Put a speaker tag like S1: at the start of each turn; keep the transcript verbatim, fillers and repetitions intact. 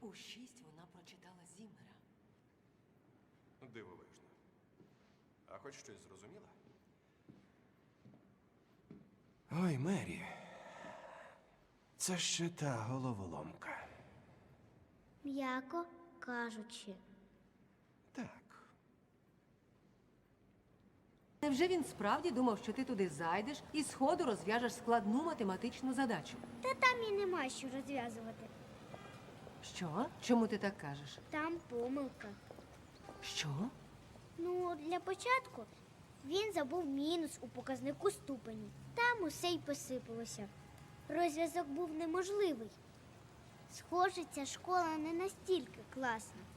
S1: У шість вона прочитала Зіммера.
S2: Дивовижно. А хоч щось зрозуміла? Ой, Мері. Це ще та головоломка.
S3: М'яко кажучи.
S2: Так.
S1: Невже він справді думав, що ти туди зайдеш і сходу розв'яжеш складну математичну задачу?
S3: Та там і нема що розв'язувати.
S1: Що? Чому ти так кажеш?
S3: Там помилка.
S1: Що?
S3: Ну, для початку він забув мінус у показнику ступені. Там усе й посипалося. Розв'язок був неможливий. Схоже, ця школа не настільки класна.